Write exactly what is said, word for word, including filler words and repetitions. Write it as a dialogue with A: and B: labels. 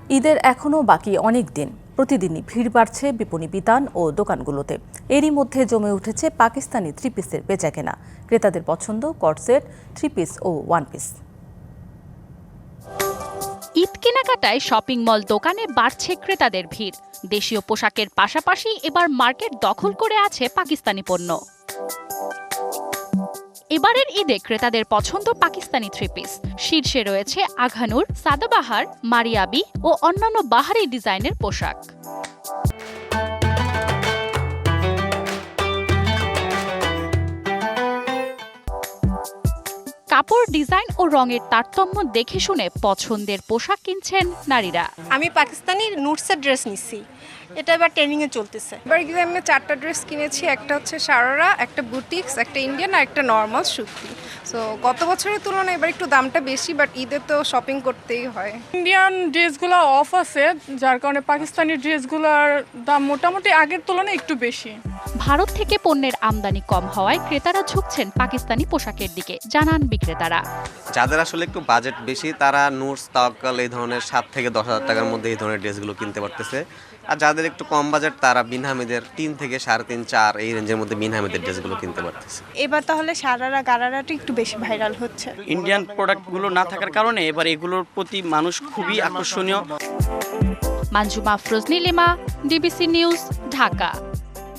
A: ঈদের এখনও বাকি অনেক দিন। প্রতিদিনই ভিড় বাড়ছে বিপণী বিতান ও দোকানগুলোতে। এরই মধ্যে জমে উঠেছে পাকিস্তানি থ্রি পিসের বেচাকেনা। ক্রেতাদের পছন্দ কটসেট, থ্রি পিস ও ওয়ান পিস।
B: ঈদ কেনাকাটায় শপিং মল দোকানে বাড়ছে ক্রেতাদের ভিড়। দেশীয় পোশাকের পাশাপাশি এবার মার্কেট দখল করে আছে পাকিস্তানি পণ্য। এবারের ঈদে ক্রেতাদের পছন্দ পাকিস্তানি থ্রি পিস। শীর্ষে রয়েছে আঘানুর, সাদাবাহার, মারিয়াবি ও অন্যান্য বাহারি ডিজাইনের পোশাক। কাপড়, ডিজাইন ও রঙের তারতম্য দেখে শুনে পছন্দের পোশাক কিনছেন নারীরা।
C: আমি পাকিস্তানি নুটসের ড্রেস নিচ্ছি, এটা এবার ট্রেনিং এ চলতেছে।
D: এবার গিয়ে আমি চারটা ড্রেস কিনেছি, একটা হচ্ছে সারারা, একটা বুটিক্স, একটা ইন্ডিয়ান আর একটা নর্মাল সুতি। সো গত বছরের তুলনায় এবার একটু দামটা বেশি, বাট ঈদে তো শপিং করতেই হয়।
E: ইন্ডিয়ান ড্রেসগুলো অফ আছে, যার কারণে পাকিস্তানি ড্রেসগুলোর দাম মোটামুটি আগের তুলনায় একটু বেশি।
B: ভারত থেকে পণ্যের আমদানি কম হওয়ায় ক্রেতারা ঝুঁকছেন পাকিস্তানি পোশাকের দিকে, জানান বিক্রেতারা।
F: যাদের আসলে একটু বাজেট বেশি তারা নুটস, তাওয়াক্কাল এই ধরনের সাত থেকে দশ হাজার টাকার মধ্যে এই ধরনের ড্রেসগুলো কিনতে পারতেছে। আর যাদের একটু কম বাজেট তারা বিনহামিদের তিন থেকে সাড়ে তিন চার এই রেঞ্জের মধ্যে বিনহামিদের ড্রেসগুলো কিনতে পারতেছে।
C: এবার তাহলে সারারা গারারাটা একটু বেশি ভাইরাল হচ্ছে।
G: ইন্ডিয়ান প্রোডাক্টগুলো না থাকার কারণে এবার এগুলোর প্রতি মানুষ খুবই আকর্ষণীয়।
B: Manzuma Afroz Nilima, DBC news, Dhaka.